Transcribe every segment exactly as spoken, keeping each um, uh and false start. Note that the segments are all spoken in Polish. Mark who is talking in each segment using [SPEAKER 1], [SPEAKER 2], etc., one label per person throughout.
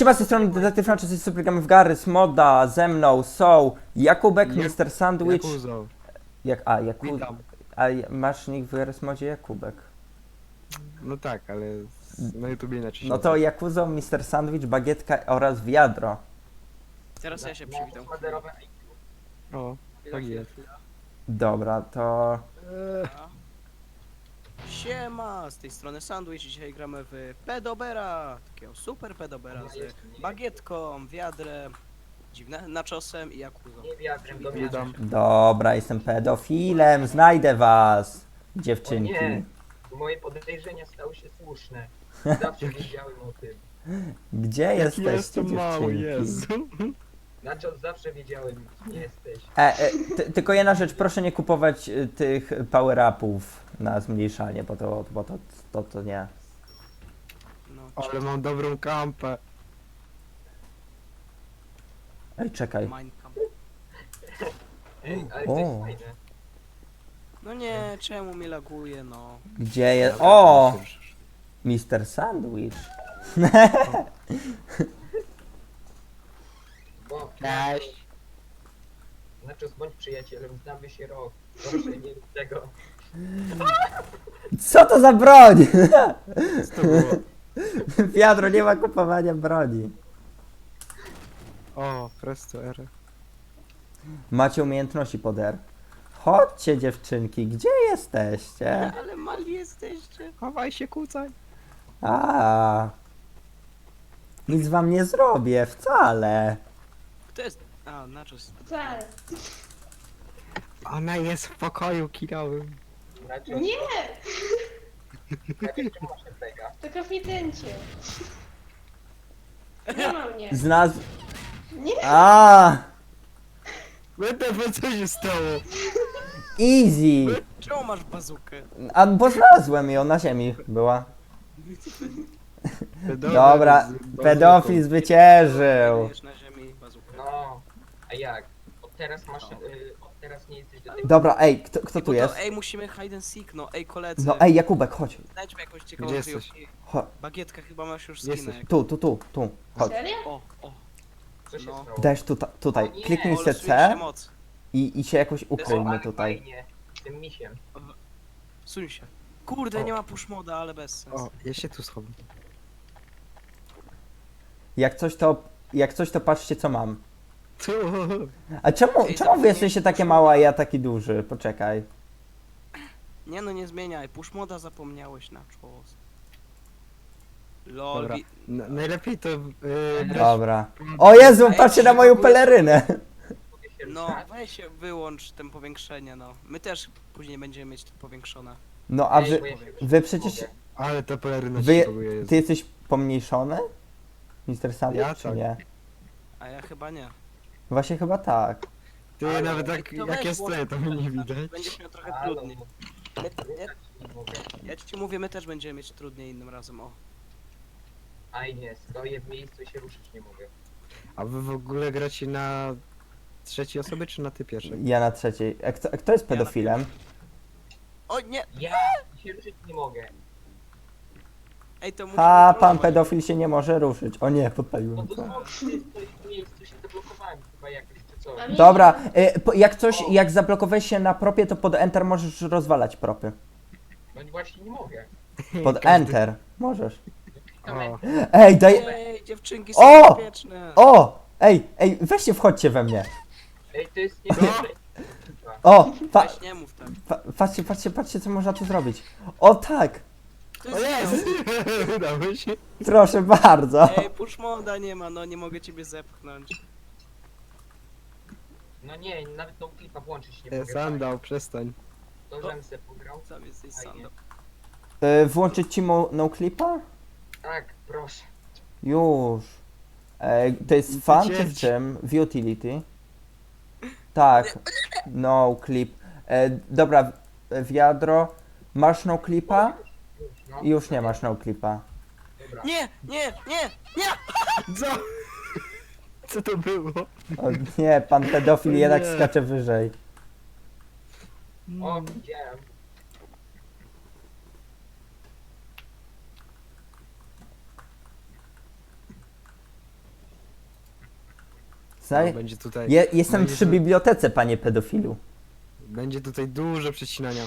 [SPEAKER 1] siema, z tej strony Detektyw Franczyzy, super gramy w Garry's Moda, ze mną są Jakubek,
[SPEAKER 2] Jak-
[SPEAKER 1] mister Sandwich,
[SPEAKER 2] Jakuzo.
[SPEAKER 1] jak, a, Jaku,
[SPEAKER 2] Witam.
[SPEAKER 1] a masz nick w Garry's Modzie Jakubek.
[SPEAKER 2] No tak, ale z- na YouTubie inaczej się
[SPEAKER 1] No to
[SPEAKER 2] nazywa.
[SPEAKER 1] Jakuzo, mister Sandwich, Bagietka oraz Wiadro.
[SPEAKER 3] Teraz ja się przywitam.
[SPEAKER 2] O, tak jest.
[SPEAKER 1] Dobra, to
[SPEAKER 2] Eee,
[SPEAKER 3] Siema, z tej strony Sandwich. Dzisiaj gramy w Pedobera. Takiego super Pedobera z bagietką, wiadrem, dziwne, naczosem i jakuzo.
[SPEAKER 4] Nie wiatrem do mnie.
[SPEAKER 2] Witam.
[SPEAKER 1] dobra, jestem pedofilem, znajdę was,
[SPEAKER 4] O
[SPEAKER 1] dziewczynki.
[SPEAKER 4] nie, moje podejrzenia stały się słuszne. Zawsze wiedziałem o tym.
[SPEAKER 1] Gdzie jesteście,
[SPEAKER 2] Jestem mały,
[SPEAKER 1] dziewczynki?
[SPEAKER 2] Jezu.
[SPEAKER 4] Znaczy zawsze wiedziałem, kim jesteś.
[SPEAKER 1] E, e, ty, tylko jedna rzecz, proszę nie kupować y, tych power-upów na zmniejszanie, bo to, bo to, to, to nie.
[SPEAKER 3] No,
[SPEAKER 2] Ale mam dobrą kampę.
[SPEAKER 1] Ej, czekaj.
[SPEAKER 3] Minecamp.
[SPEAKER 4] Ej, ale
[SPEAKER 1] O.
[SPEAKER 4] to jest fajne.
[SPEAKER 3] No nie, czemu mi laguje, no.
[SPEAKER 1] Gdzie jest? O! mister Sandwich.
[SPEAKER 4] Bo,
[SPEAKER 2] Cześć.
[SPEAKER 4] znaczy bądź przyjacielem, znamy się rok. Proszę nie rób tego.
[SPEAKER 1] Co to za broń?
[SPEAKER 2] Co to było?
[SPEAKER 1] Wiadro, nie ma kupowania broni.
[SPEAKER 2] O, presto R.
[SPEAKER 1] Macie umiejętności pod R. Chodźcie, dziewczynki, gdzie jesteście?
[SPEAKER 3] Ale mali jesteście.
[SPEAKER 2] Chowaj się, kucaj.
[SPEAKER 1] A, nic wam nie zrobię, wcale.
[SPEAKER 3] Kto jest? A, naczos.
[SPEAKER 5] Wcale.
[SPEAKER 2] Ona jest w pokoju kinowym.
[SPEAKER 4] Znaczy,
[SPEAKER 5] Nie!
[SPEAKER 4] znaczy, czym masz pega?
[SPEAKER 5] To konfidencie. Nie ma mnie.
[SPEAKER 1] Znalazł...
[SPEAKER 5] Nie!
[SPEAKER 1] A,
[SPEAKER 2] Będę, co się stało?
[SPEAKER 1] easy.
[SPEAKER 3] Czemu masz bazukę?
[SPEAKER 1] A, bo znalazłem ją, na ziemi była.
[SPEAKER 2] Pedofil
[SPEAKER 1] Dobra,
[SPEAKER 2] z-
[SPEAKER 1] pedofil zwyciężył.
[SPEAKER 3] Wiesz na ziemi bazukę.
[SPEAKER 4] No, a jak? Od teraz masz, y, od teraz nie jesteś do tej...
[SPEAKER 1] Dobra, ej, kto, kto
[SPEAKER 3] Ej,
[SPEAKER 1] tu
[SPEAKER 3] bo to,
[SPEAKER 1] jest?
[SPEAKER 3] ej, musimy hide and seek, no. Ej, koledzy.
[SPEAKER 1] No ej, Jakubek, chodź.
[SPEAKER 3] Znajdźmy jakąś ciekawą
[SPEAKER 2] Gdzie jesteś?
[SPEAKER 3] kryjówkę.
[SPEAKER 1] Cho-
[SPEAKER 3] Bagietka, chyba masz już
[SPEAKER 2] Jesteś.
[SPEAKER 3] skinę.
[SPEAKER 1] Tu, tu, tu, tu. Chodź.
[SPEAKER 5] Serio?
[SPEAKER 3] O, o.
[SPEAKER 4] Co się
[SPEAKER 3] No.
[SPEAKER 4] stało?
[SPEAKER 1] Dajesz tuta, tutaj.
[SPEAKER 4] O nie,
[SPEAKER 1] Kliknij
[SPEAKER 3] O,
[SPEAKER 1] se
[SPEAKER 3] losuje
[SPEAKER 1] C
[SPEAKER 3] się moc.
[SPEAKER 1] i, i się jakoś
[SPEAKER 4] O,
[SPEAKER 1] ukryjmy
[SPEAKER 4] ale
[SPEAKER 1] tutaj.
[SPEAKER 4] fajnie. Z tym misiem.
[SPEAKER 3] Suń się. Kurde,
[SPEAKER 2] O.
[SPEAKER 3] nie ma push moda, ale bez sensu.
[SPEAKER 2] O, ja się tu schowam.
[SPEAKER 1] Jak coś to, jak coś to patrzcie co mam.
[SPEAKER 2] Tu.
[SPEAKER 1] A czemu,
[SPEAKER 3] Ej,
[SPEAKER 1] czemu wy
[SPEAKER 3] zapomnij-
[SPEAKER 1] jesteście takie małe, a ja taki duży? Poczekaj.
[SPEAKER 3] Nie no, nie zmieniaj. Push moda zapomniałeś na czos. Lol,
[SPEAKER 2] Dobra.
[SPEAKER 3] wi-
[SPEAKER 2] N- najlepiej to... Yy, brać-
[SPEAKER 1] Dobra. O Jezu,
[SPEAKER 3] Ej,
[SPEAKER 1] patrzcie
[SPEAKER 3] czy
[SPEAKER 1] na moją
[SPEAKER 3] w ogóle-
[SPEAKER 1] pelerynę.
[SPEAKER 4] Mogę się
[SPEAKER 3] No,
[SPEAKER 4] ruszać?
[SPEAKER 3] weź się, wyłącz ten powiększenie, no. My też później będziemy mieć to powiększone.
[SPEAKER 1] No a
[SPEAKER 4] Ej,
[SPEAKER 1] wy,
[SPEAKER 4] bo ja się ruszać
[SPEAKER 1] wy
[SPEAKER 4] nie
[SPEAKER 1] przecież,
[SPEAKER 4] mogę.
[SPEAKER 2] Ale ta peleryna
[SPEAKER 1] wy,
[SPEAKER 2] się buguje jest.
[SPEAKER 1] ty jesteś pomniejszony? mister Sandwich,
[SPEAKER 2] Ja
[SPEAKER 1] czy
[SPEAKER 2] tak.
[SPEAKER 1] nie?
[SPEAKER 3] A ja chyba nie.
[SPEAKER 1] Właśnie chyba tak.
[SPEAKER 2] Ty
[SPEAKER 4] Ale-
[SPEAKER 2] nawet
[SPEAKER 3] Ej,
[SPEAKER 2] jak,
[SPEAKER 3] to
[SPEAKER 2] jak
[SPEAKER 3] weź
[SPEAKER 2] ja
[SPEAKER 3] włącz
[SPEAKER 2] stoję, to mnie nie widać.
[SPEAKER 3] Będziesz miał trochę
[SPEAKER 4] Halo,
[SPEAKER 3] trudniej. My, ja,
[SPEAKER 4] ruszać nie mogę.
[SPEAKER 3] ja ci mówię, my też będziemy mieć trudniej innym razem, o.
[SPEAKER 4] Aj nie, stoję w miejscu i się ruszyć nie mogę.
[SPEAKER 2] A wy w ogóle gracie na trzeciej osoby, czy na ty pierwszej?
[SPEAKER 1] Ja na trzeciej. A kto, kto jest
[SPEAKER 3] Ja na
[SPEAKER 1] pedofilem?
[SPEAKER 3] O nie!
[SPEAKER 4] Ja się ruszyć nie mogę.
[SPEAKER 3] Ej, to musimy
[SPEAKER 1] A, pan
[SPEAKER 3] trollować.
[SPEAKER 1] pedofil się nie może ruszyć. O nie,
[SPEAKER 4] No
[SPEAKER 1] podpaliłem
[SPEAKER 4] bo
[SPEAKER 1] co.
[SPEAKER 4] znowu ty stoisz w miejscu, się zablokowałem chyba jakoś czy coś.
[SPEAKER 5] A mnie-
[SPEAKER 1] Dobra, y, po- jak coś, jak zablokowałeś się na propie, to pod Enter możesz rozwalać propy.
[SPEAKER 4] No właśnie nie mogę.
[SPEAKER 1] Pod
[SPEAKER 2] Każdy-
[SPEAKER 1] Enter możesz.
[SPEAKER 2] O,
[SPEAKER 1] Ej, daj...
[SPEAKER 3] Ej, dziewczynki
[SPEAKER 1] O!
[SPEAKER 3] są bezpieczne.
[SPEAKER 1] O! Ej, ej, weźcie wchodźcie we mnie.
[SPEAKER 4] Ej, to jest niedobrze.
[SPEAKER 1] O! Pa,
[SPEAKER 3] Weź nie mów tak.
[SPEAKER 1] pa, patrzcie, patrzcie, patrzcie, co można tu zrobić. O tak!
[SPEAKER 3] To
[SPEAKER 2] o
[SPEAKER 3] jest
[SPEAKER 2] jest! Udało się.
[SPEAKER 1] Proszę bardzo.
[SPEAKER 3] Ej, push moda nie ma, no nie mogę ciebie zepchnąć.
[SPEAKER 4] No nie, nawet tą klipa włączyć nie
[SPEAKER 2] E,
[SPEAKER 4] mogę.
[SPEAKER 2] Sandał, przestań.
[SPEAKER 4] To żem se pograł.
[SPEAKER 3] Sam jesteś
[SPEAKER 4] Fajnie.
[SPEAKER 3] sandał.
[SPEAKER 1] Y, włączyć ci mo- no clipa?
[SPEAKER 4] Tak, proszę.
[SPEAKER 1] Już. E, to jest fan czy w
[SPEAKER 2] Wycięć.
[SPEAKER 1] czym? W utility? Tak. No clip. E, dobra, w- wiadro. Masz no clipa?
[SPEAKER 4] Już, no.
[SPEAKER 1] Już nie masz no clipa.
[SPEAKER 4] Dobra.
[SPEAKER 3] Nie, nie, nie, nie!
[SPEAKER 2] Co? Co to było?
[SPEAKER 1] O nie, pan pedofil
[SPEAKER 2] O
[SPEAKER 1] jednak
[SPEAKER 2] nie.
[SPEAKER 1] skacze wyżej.
[SPEAKER 4] O, widziałem.
[SPEAKER 1] Znaj...
[SPEAKER 2] No, będzie tutaj,
[SPEAKER 1] Je, jestem
[SPEAKER 2] będzie
[SPEAKER 1] przy
[SPEAKER 2] tu-
[SPEAKER 1] bibliotece, panie pedofilu.
[SPEAKER 2] będzie tutaj dużo przecinania.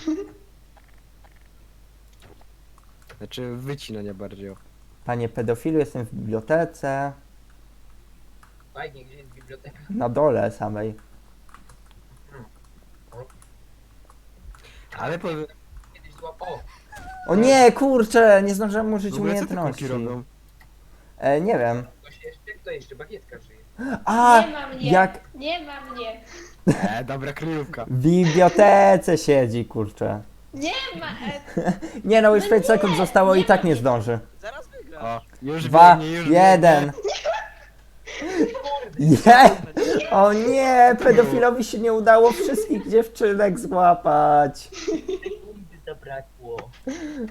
[SPEAKER 2] Znaczy wycinania bardziej. o.
[SPEAKER 1] Panie pedofilu, jestem w bibliotece.
[SPEAKER 4] Fajnie, gdzie jest biblioteka?
[SPEAKER 1] Na dole samej.
[SPEAKER 2] Ale po...
[SPEAKER 4] Kiedyś złap... O!
[SPEAKER 1] O nie, kurczę, nie zdążyłem
[SPEAKER 2] w
[SPEAKER 1] użyć
[SPEAKER 2] ogóle co te
[SPEAKER 1] umiejętności.
[SPEAKER 2] kulki robią?
[SPEAKER 1] E, nie wiem.
[SPEAKER 4] Ktoś jeszcze? Kto jeszcze? Bagietka żyje.
[SPEAKER 1] A,
[SPEAKER 5] Nie ma mnie.
[SPEAKER 1] jak
[SPEAKER 5] Nie ma mnie.
[SPEAKER 2] E, dobra kryjówka.
[SPEAKER 1] w bibliotece siedzi, kurczę.
[SPEAKER 5] Nie ma. E,
[SPEAKER 1] Nie no, już
[SPEAKER 5] No
[SPEAKER 1] pięć
[SPEAKER 5] nie,
[SPEAKER 1] sekund zostało i
[SPEAKER 5] nie
[SPEAKER 1] tak
[SPEAKER 5] ma
[SPEAKER 1] nie
[SPEAKER 5] mnie.
[SPEAKER 1] zdąży.
[SPEAKER 3] Zaraz wygra.
[SPEAKER 2] O, już
[SPEAKER 1] Dwa,
[SPEAKER 2] biegnie, już
[SPEAKER 1] jeden. Nie! O nie, pedofilowi się nie udało wszystkich dziewczynek złapać.
[SPEAKER 4] Sekundy zabrakło.
[SPEAKER 2] Biegnie.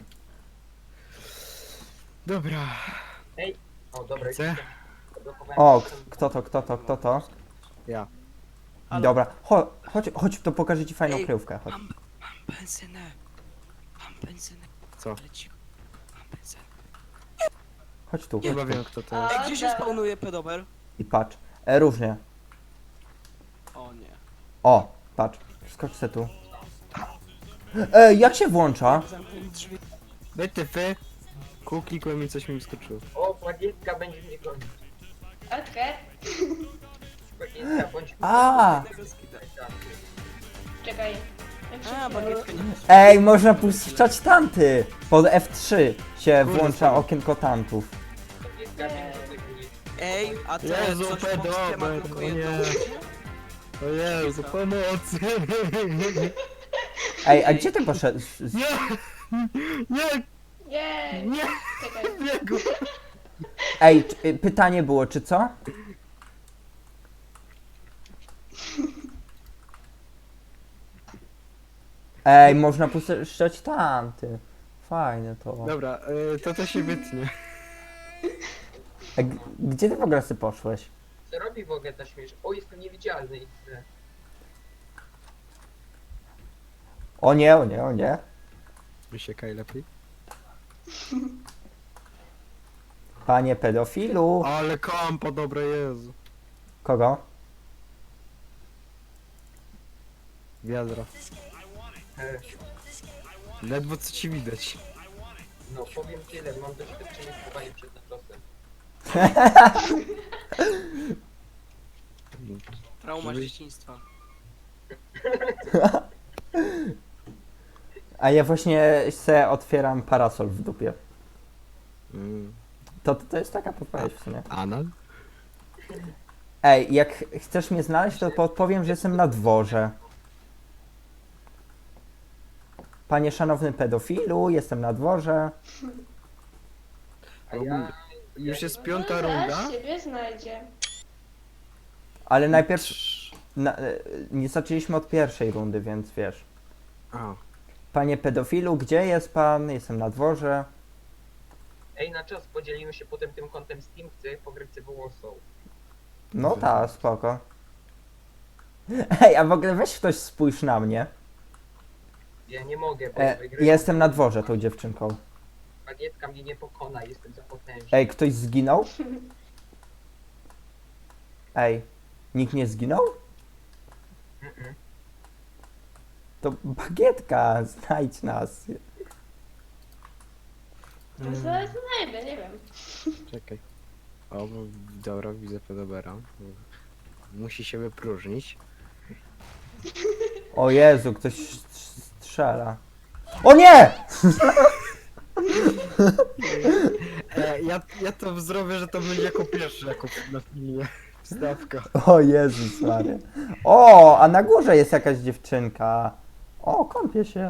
[SPEAKER 2] Dobra.
[SPEAKER 4] Ej! O, dobra,
[SPEAKER 2] Chcę?
[SPEAKER 4] jestem. Zablokowałem
[SPEAKER 1] O,
[SPEAKER 4] system.
[SPEAKER 1] kto to, kto to, kto to?
[SPEAKER 2] Ja.
[SPEAKER 3] Halo?
[SPEAKER 1] Dobra, Cho, chodź, chodź, to pokażę ci fajną
[SPEAKER 3] Ej,
[SPEAKER 1] kryjówkę. Chodź.
[SPEAKER 3] Mam, mam benzynę. Mam benzynę.
[SPEAKER 2] Co?
[SPEAKER 3] Ale cicho. Mam benzynę.
[SPEAKER 1] Chodź tu,
[SPEAKER 2] Chyba
[SPEAKER 1] chodź tu.
[SPEAKER 2] wiem kto to
[SPEAKER 5] A.
[SPEAKER 2] jest.
[SPEAKER 3] Ej, gdzie się spawnuje pedober?
[SPEAKER 1] I patrz. E, różnie.
[SPEAKER 3] O nie.
[SPEAKER 1] O, patrz. Skocz se tu. E, jak się włącza?
[SPEAKER 3] Zamknij drzwi.
[SPEAKER 2] Wy ty wy. Kół klikłem i coś mi wyskoczyło.
[SPEAKER 4] O, bagietka będzie mnie gonić.
[SPEAKER 5] Okej.
[SPEAKER 4] Bagietka, bądź...
[SPEAKER 1] A.
[SPEAKER 3] Tego skida.
[SPEAKER 5] Czekaj. Jak się
[SPEAKER 3] A, bagietka nie.
[SPEAKER 1] Ej, można puszczać tanty. Pod F trzy się
[SPEAKER 2] Kurde,
[SPEAKER 1] włącza
[SPEAKER 2] spadło.
[SPEAKER 1] okienko tantów.
[SPEAKER 4] Bagietka będzie tego nie...
[SPEAKER 3] Ej, a to
[SPEAKER 2] Jezu,
[SPEAKER 3] coś
[SPEAKER 2] pedober,
[SPEAKER 3] polskie ma tylko
[SPEAKER 2] o
[SPEAKER 3] jedną
[SPEAKER 2] nie.
[SPEAKER 3] opcję?
[SPEAKER 2] O Jezu, pomocy!
[SPEAKER 1] Ej, a gdzie ty poszedłeś?
[SPEAKER 2] Nie! Nie!
[SPEAKER 5] Nie.
[SPEAKER 2] Nie!
[SPEAKER 5] Czekaj.
[SPEAKER 2] Biegu!
[SPEAKER 1] Ej, czy- y, pytanie było, czy co? Ej, można puszczać tanty. Fajne to.
[SPEAKER 2] Dobra, y, to to się wytnie.
[SPEAKER 1] A g- gdzie ty w ogóle sobie poszłeś?
[SPEAKER 4] Co robi w ogóle ta śmiesz? O, jestem niewidzialny. i tyle.
[SPEAKER 1] O nie, o nie, o nie.
[SPEAKER 2] Wysiekaj lepiej.
[SPEAKER 1] Panie pedofilu.
[SPEAKER 2] Ale kompo, dobre Jezu.
[SPEAKER 1] Kogo?
[SPEAKER 2] Wiadra.
[SPEAKER 4] E,
[SPEAKER 2] Ledwo co ci widać.
[SPEAKER 4] No, powiem tyle, mam doświadczenie w chowaniu przed natrosem.
[SPEAKER 3] Trauma z
[SPEAKER 2] Żebyś-
[SPEAKER 3] dzieciństwa.
[SPEAKER 1] A ja właśnie se otwieram parasol w dupie.
[SPEAKER 2] Mm.
[SPEAKER 1] To, to jest taka podpowiedź w sumie.
[SPEAKER 2] Anal?
[SPEAKER 1] Ej, jak chcesz mnie znaleźć, to podpowiem, że jestem na dworze. Panie szanowny pedofilu, jestem na dworze.
[SPEAKER 4] A ja...
[SPEAKER 2] Już jest piąta
[SPEAKER 5] No,
[SPEAKER 2] runda.
[SPEAKER 5] zaraz siebie znajdzie.
[SPEAKER 1] Ale najpierw na, e, nie zaczęliśmy od pierwszej rundy, więc wiesz.
[SPEAKER 2] A,
[SPEAKER 1] Panie pedofilu, gdzie jest pan? Jestem na dworze.
[SPEAKER 4] Ej, na czas podzielimy się potem tym kątem Steam, chcę pograć wyłosą.
[SPEAKER 1] No ta, spoko. Ej, a w ogóle weź ktoś spójrz na mnie.
[SPEAKER 4] Ja nie mogę, bo
[SPEAKER 1] E,
[SPEAKER 4] wygrywam.
[SPEAKER 1] jestem na dworze tą dziewczynką.
[SPEAKER 4] Bagietka mnie nie pokona, jestem za potężny.
[SPEAKER 1] Ej, ktoś zginął? Ej, nikt nie zginął?
[SPEAKER 4] Mm-mm.
[SPEAKER 1] To bagietka, znajdź nas.
[SPEAKER 5] To zaraz znajdę, nie wiem.
[SPEAKER 2] czekaj. O, bo- dobra, widzę pedobera. Musi się wypróżnić.
[SPEAKER 1] O Jezu, ktoś strzela. O nie!
[SPEAKER 2] E, ja, ja to zrobię, że to będzie jako pierwszy, jako na filmie. Wstawka.
[SPEAKER 1] O Jezus Maria. O, a na górze jest jakaś dziewczynka. O, kąpie się.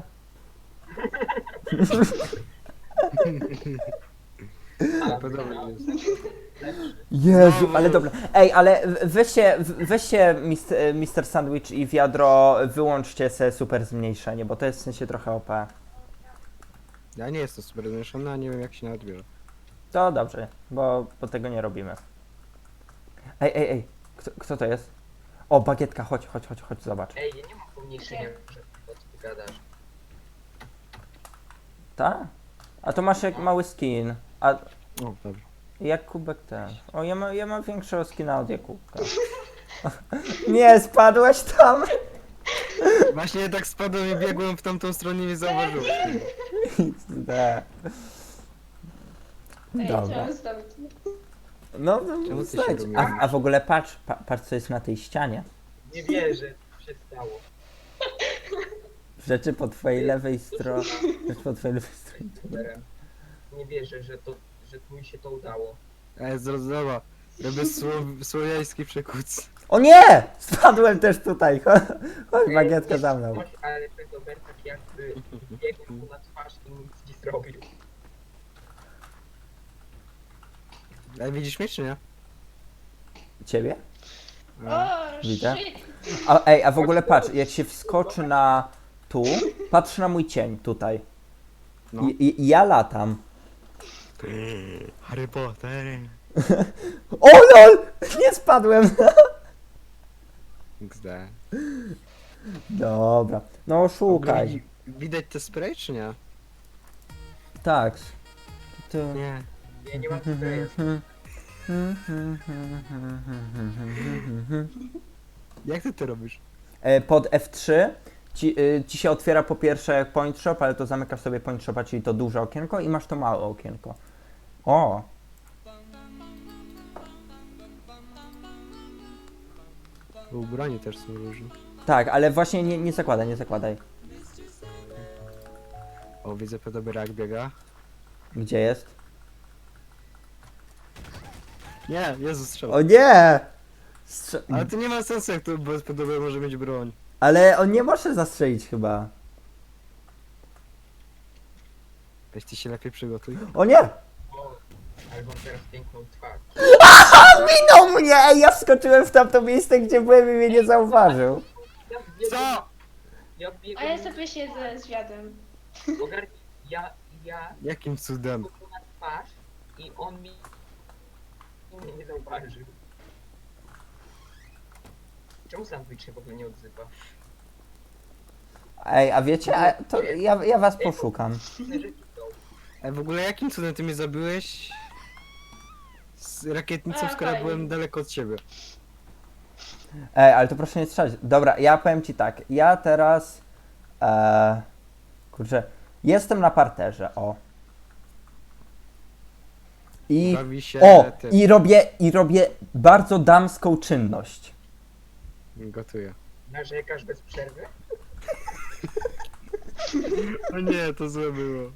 [SPEAKER 4] Ale
[SPEAKER 2] Podobny jest.
[SPEAKER 1] Jezu, ale dobra. Ej, ale weźcie, weźcie mis- mister Sandwich i wiadro, wyłączcie se super zmniejszenie, bo to jest w sensie trochę O P.
[SPEAKER 2] Ja nie jestem super zmieszany, a nie wiem jak się nawet bierze.
[SPEAKER 1] To dobrze, bo, bo tego nie robimy. Ej, ej, ej, kto, kto to jest? O, bagietka, chodź, chodź, chodź, chodź, zobacz.
[SPEAKER 4] Ej, ja nie mam pomniejszenia, że o co ty gadasz.
[SPEAKER 1] Ta? A to masz jak mały skin. A
[SPEAKER 2] O, dobrze.
[SPEAKER 1] jak kubek ten. O, ja, ma, ja mam większego skina od Jakubka. Nie, spadłeś tam?
[SPEAKER 2] Właśnie tak spadłem i biegłem w tamtą stronę i nie zauważyłem.
[SPEAKER 1] Nie.
[SPEAKER 5] Ej,
[SPEAKER 1] Dobra.
[SPEAKER 5] trzeba zostawić.
[SPEAKER 1] No, no
[SPEAKER 2] Czemu ty się
[SPEAKER 1] słuchajcie,
[SPEAKER 2] rumienisz?
[SPEAKER 1] a, a w ogóle patrz, pa, patrz co jest na tej ścianie.
[SPEAKER 4] Nie wierzę, co się stało.
[SPEAKER 1] Rzeczy po twojej lewej stronie. Rzeczy po twojej lewej stronie.
[SPEAKER 4] Superem. Nie wierzę, że to, że mi się to udało.
[SPEAKER 2] Ej, zrozumiała. Robię słow, słowiański przekuc.
[SPEAKER 1] O nie! Spadłem też tutaj. Chodź, chodź bagietka za mną.
[SPEAKER 4] Coś, ale Pedober tak jakby biegł mu na twarz i nic nie zrobił.
[SPEAKER 2] Ej, widzisz mnie czy nie?
[SPEAKER 1] Ciebie?
[SPEAKER 5] O,
[SPEAKER 1] Widzę.
[SPEAKER 5] shit.
[SPEAKER 1] A, ej, a w ogóle patrz, jak się wskoczy na tu, patrz na mój cień tutaj.
[SPEAKER 2] No.
[SPEAKER 1] I, i, ja latam.
[SPEAKER 2] Harry Potter.
[SPEAKER 1] O lol! Nie spadłem!
[SPEAKER 2] X D.
[SPEAKER 1] Dobra. No szukaj.
[SPEAKER 2] Widzi- Widać te spray czy nie?
[SPEAKER 1] Tak. Tu.
[SPEAKER 2] Nie.
[SPEAKER 4] Ja nie mam tutaj.
[SPEAKER 2] Jak ty to robisz?
[SPEAKER 1] E, Pod F trzy ci, y, ci się otwiera po pierwsze point shop, ale to zamykasz sobie point shopa, czyli to duże okienko i masz to małe okienko. O!
[SPEAKER 2] Ubrani też są różne.
[SPEAKER 1] Tak, ale właśnie nie, nie zakładaj, nie zakładaj.
[SPEAKER 2] O, widzę Pedobera jak biega.
[SPEAKER 1] Gdzie jest?
[SPEAKER 2] Nie, Jezus strzał.
[SPEAKER 1] O nie! Strze-
[SPEAKER 2] Ale to nie ma sensu, jak to bez Pedobera może mieć broń.
[SPEAKER 1] ale on nie może zastrzelić chyba.
[SPEAKER 2] Weź ty się lepiej przygotuj.
[SPEAKER 1] O nie!
[SPEAKER 4] O, ale mam teraz piękną twarz.
[SPEAKER 1] Minął mnie! Ej, ja wskoczyłem w tamto miejsce, gdzie byłem i mnie nie zauważył.
[SPEAKER 4] Ja biegłem,
[SPEAKER 2] Co?
[SPEAKER 4] ja
[SPEAKER 5] A
[SPEAKER 4] biegłem,
[SPEAKER 5] ja sobie siedzę z wiadem.
[SPEAKER 4] ogarnij, ja, ja
[SPEAKER 2] Jakim cudem?
[SPEAKER 4] biegłem mu na twarz i on mi mnie nie zauważył. Czemu sandwich się w ogóle nie odzywa?
[SPEAKER 1] Ej, a wiecie, a to ja, ja was poszukam.
[SPEAKER 4] Inne rzeczy są.
[SPEAKER 2] Ej, w ogóle jakim cudem ty mnie zabiłeś? Z rakietnicą,
[SPEAKER 5] A,
[SPEAKER 2] skoro
[SPEAKER 5] fajnie.
[SPEAKER 2] byłem daleko od ciebie.
[SPEAKER 1] Ej, ale to proszę nie strzelać. Dobra, ja powiem ci tak. Ja teraz... E, kurczę, jestem na parterze, o. I...
[SPEAKER 2] Bawi się
[SPEAKER 1] O!
[SPEAKER 2] tym.
[SPEAKER 1] I robię, i robię bardzo damską czynność.
[SPEAKER 2] Gotuję.
[SPEAKER 4] Narzekasz bez przerwy?
[SPEAKER 2] O nie, to złe było.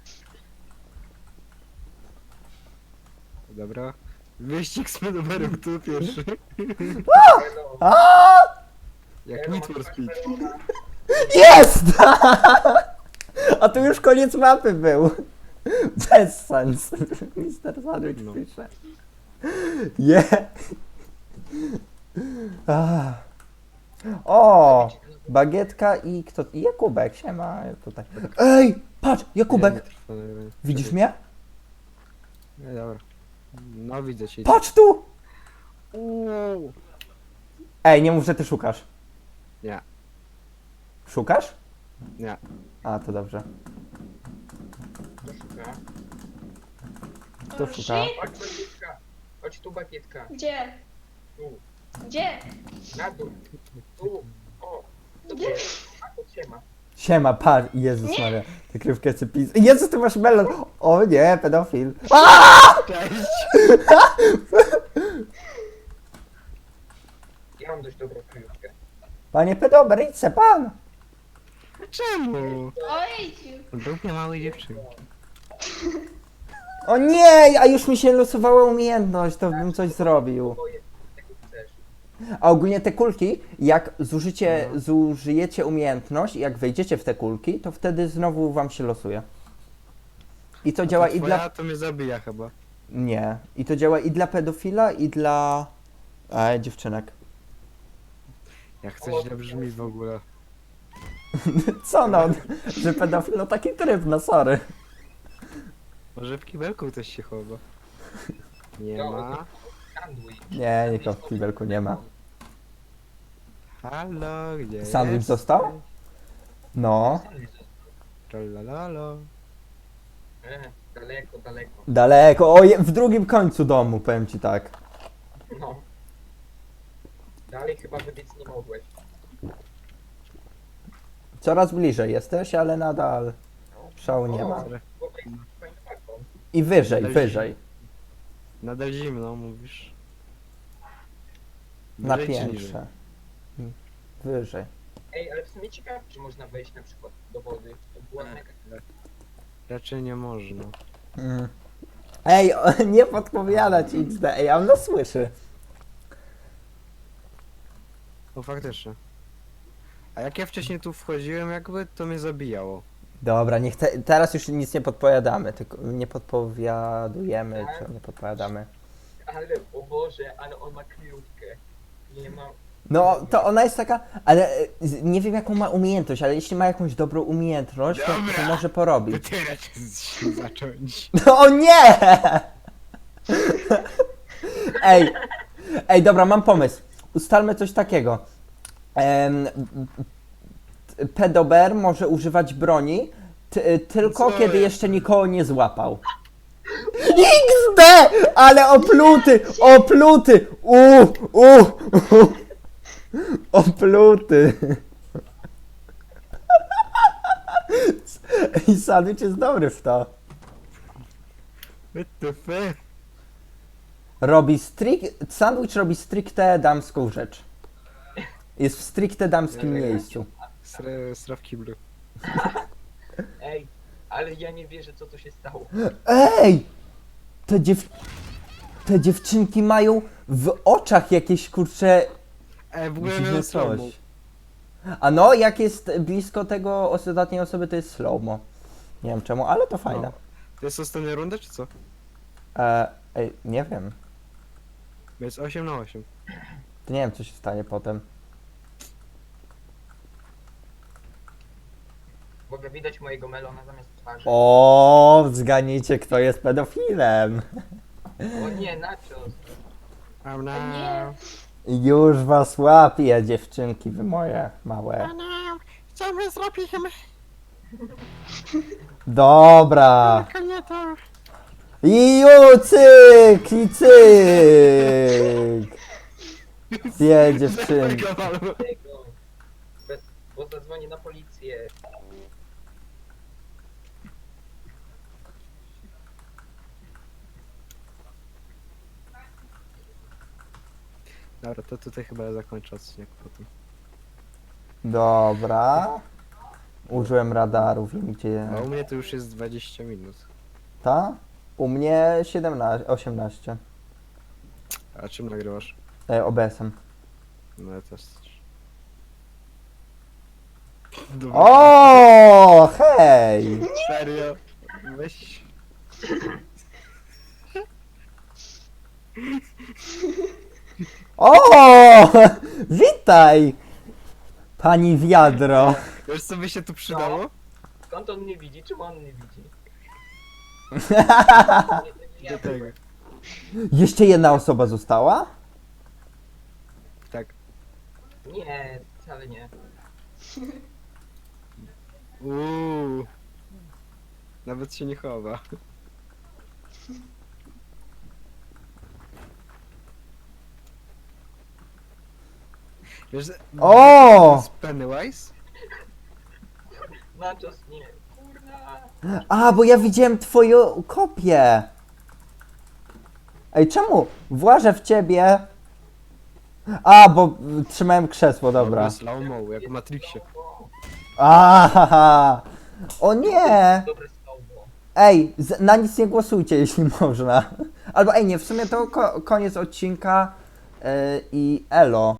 [SPEAKER 2] Dobra. Wyścig z Pedoberem, kto pierwszy?
[SPEAKER 4] Hello.
[SPEAKER 1] A!
[SPEAKER 2] Jak
[SPEAKER 4] Hello,
[SPEAKER 2] Need for
[SPEAKER 4] masz
[SPEAKER 2] Speed.
[SPEAKER 4] melona?
[SPEAKER 1] Jest! A tu już koniec mapy był. Bez sens. mister Sandwich
[SPEAKER 2] No.
[SPEAKER 1] pisze. Je. Ah. O! Bagietka i kto? I Jakubek, siema tutaj. Ej! Patrz, Jakubek!
[SPEAKER 2] Nie, nie trwa nagranie.
[SPEAKER 1] Widzisz mnie?
[SPEAKER 2] Nie, dobra. No widzę cię.
[SPEAKER 1] Patrz tu!
[SPEAKER 2] Uuu.
[SPEAKER 1] Ej, nie mów, że ty szukasz.
[SPEAKER 2] Nie,
[SPEAKER 1] Szukasz?
[SPEAKER 2] nie.
[SPEAKER 1] A, to dobrze.
[SPEAKER 4] Kto szuka?
[SPEAKER 1] Kto
[SPEAKER 5] O,
[SPEAKER 1] szuka?
[SPEAKER 5] shit.
[SPEAKER 4] Chodź bagietka. Chodź tu bagietka.
[SPEAKER 5] Gdzie?
[SPEAKER 4] Tu.
[SPEAKER 5] Gdzie?
[SPEAKER 4] Na dół. Tu. O. To
[SPEAKER 5] Gdzie?
[SPEAKER 4] A to cię ma.
[SPEAKER 1] Siema, patrz. Jezus Maria. Te krywkę chcę pis. Jezus, ty masz melon! O nie, pedofil. A!
[SPEAKER 2] Cześć!
[SPEAKER 4] Ja mam dość dobrą kryjówkę.
[SPEAKER 1] Panie pedober, idź se pan!
[SPEAKER 2] Czemu?
[SPEAKER 5] Ojciu.
[SPEAKER 2] Był mnie małej dziewczynki.
[SPEAKER 1] O nie, a już mi się losowała umiejętność, to bym coś zrobił.
[SPEAKER 4] Boję, tego chcesz.
[SPEAKER 1] A ogólnie te kulki, jak zużycie,
[SPEAKER 2] No.
[SPEAKER 1] zużyjecie umiejętność, jak wejdziecie w te kulki, to wtedy znowu wam się losuje. I to działa i
[SPEAKER 2] Twoja
[SPEAKER 1] dla...
[SPEAKER 2] to mnie zabija chyba.
[SPEAKER 1] Nie. I to działa i dla pedofila, i dla... E, dziewczynek.
[SPEAKER 2] Jak coś źle brzmi w ogóle.
[SPEAKER 1] Co no, że pedofil, no taki tryb, no sorry.
[SPEAKER 2] Może w kibelku ktoś się chowa. Nie
[SPEAKER 4] Jo,
[SPEAKER 2] ma.
[SPEAKER 4] Sandwich.
[SPEAKER 1] Nie, nikogo w kibelku nie ma.
[SPEAKER 2] Halo, gdzie
[SPEAKER 1] Sandwich
[SPEAKER 2] jest?
[SPEAKER 1] został? No.
[SPEAKER 4] Sandwich został.
[SPEAKER 2] Tralalalo.
[SPEAKER 4] E, daleko, daleko.
[SPEAKER 1] Daleko, o, je- w drugim końcu domu, powiem ci tak.
[SPEAKER 4] No. Dalej chyba wybiec nie mogłeś.
[SPEAKER 1] Coraz bliżej jesteś, ale nadal szału nie ma.
[SPEAKER 2] Sorry.
[SPEAKER 4] Chłopak jest fajną walką.
[SPEAKER 1] I wyżej,
[SPEAKER 2] Ale-
[SPEAKER 1] wyżej.
[SPEAKER 2] Nadal zimno, mówisz.
[SPEAKER 1] Na
[SPEAKER 2] Wyżej czy niżej?
[SPEAKER 1] piętrze. Wyżej.
[SPEAKER 4] Ej, ale w sumie ciekawe, czy można wejść na przykład do wody. To była
[SPEAKER 2] Nie.
[SPEAKER 4] mega...
[SPEAKER 2] Raczej nie można.
[SPEAKER 1] Mm. Ej, o, nie podpowiadać X D, ej, a on nas słyszy.
[SPEAKER 2] No faktycznie. A jak ja wcześniej tu wchodziłem jakby, to mnie zabijało.
[SPEAKER 1] Dobra, nie chcę, teraz już nic nie podpowiadamy, tylko nie podpowiadujemy, czy nie podpowiadamy.
[SPEAKER 4] Ale, o Boże, ale on ma kryjówkę. Nie ma...
[SPEAKER 1] No, to ona jest taka, ale e, z- nie wiem jaką ma umiejętność, ale jeśli ma jakąś dobrą umiejętność, to, to
[SPEAKER 2] Dobra.
[SPEAKER 1] może porobić.
[SPEAKER 2] Wytyrać się zacząć.
[SPEAKER 1] No o nie! Ej, ej, dobra, mam pomysł. Ustalmy coś takiego. Em, t- Pedober może używać broni ty, tylko
[SPEAKER 2] Co
[SPEAKER 1] kiedy
[SPEAKER 2] jest?
[SPEAKER 1] jeszcze nikogo nie złapał. X D! Ale opluty! Opluty! U, u, u. Opluty! I sandwich jest dobry w to.
[SPEAKER 2] What the fuck?
[SPEAKER 1] Robi strict... Sandwich robi stricte damską rzecz. Jest w stricte damskim miejscu.
[SPEAKER 2] Sra, sra w kiblu.
[SPEAKER 4] Ej, ale ja nie wierzę, co tu się stało.
[SPEAKER 1] Ej! Te dziew... Te dziewczynki mają w oczach jakieś kurcze
[SPEAKER 2] Ej, w ogóle
[SPEAKER 1] dziwne
[SPEAKER 2] miałem
[SPEAKER 1] coś.
[SPEAKER 2] slow
[SPEAKER 1] A no, jak jest blisko tego ostatniej osoby, to jest slow-mo. Nie wiem czemu, ale to fajne.
[SPEAKER 2] No. To jest ostatnia runda, czy co?
[SPEAKER 1] E, ej, nie wiem.
[SPEAKER 2] Bo jest osiem na osiem.
[SPEAKER 1] To nie wiem, co się stanie potem.
[SPEAKER 4] W ogóle widać mojego melona zamiast twarzy.
[SPEAKER 1] O, zgadnijcie, kto jest pedofilem.
[SPEAKER 4] O nie, nachos.
[SPEAKER 2] Oh
[SPEAKER 5] nie.
[SPEAKER 2] no.
[SPEAKER 1] Już was łapię, dziewczynki, wy moje małe.
[SPEAKER 2] no. Co my zrobimy?
[SPEAKER 1] Dobra.
[SPEAKER 2] Konieta.
[SPEAKER 1] I ju, cyk, i cyk. Dwie dziewczynki.
[SPEAKER 4] Tego. Bez- Bo zadzwonię na policję.
[SPEAKER 2] Dobra, to tutaj chyba zakończę odcinek potem.
[SPEAKER 1] Dobra. Użyłem radaru, wiem gdzie.
[SPEAKER 2] A u mnie to już jest dwadzieścia minut.
[SPEAKER 1] Ta? U mnie siedemnaście, osiemnaście.
[SPEAKER 2] A czym nagrywasz?
[SPEAKER 1] E, O B S-em.
[SPEAKER 2] No ja też. Dobra.
[SPEAKER 1] O, hej!
[SPEAKER 2] Serio? Weź.
[SPEAKER 1] O! Witaj! Pani wiadro.
[SPEAKER 2] Wiesz co by się tu przydało?
[SPEAKER 4] Skąd on mnie widzi? Czemu on mnie widzi? Nie,
[SPEAKER 2] Do tego.
[SPEAKER 1] Jeszcze jedna osoba została?
[SPEAKER 2] Tak.
[SPEAKER 4] nie, wcale nie.
[SPEAKER 2] Uuu. Nawet się nie chowa. Wiesz, że-
[SPEAKER 1] O!
[SPEAKER 2] to jest Pennywise?
[SPEAKER 4] Nachos nie. Kurna.
[SPEAKER 1] A, bo ja widziałem twoją kopię. Ej, czemu? Włażę w ciebie. A, bo y, trzymałem krzesło, dobra.
[SPEAKER 2] Slow-mo, jak w Matrixie.
[SPEAKER 1] A, o nie!
[SPEAKER 4] Dobre słowo.
[SPEAKER 1] Ej, z, na nic nie głosujcie, jeśli można. Albo ej, nie, w sumie to ko koniec odcinka yy, i elo.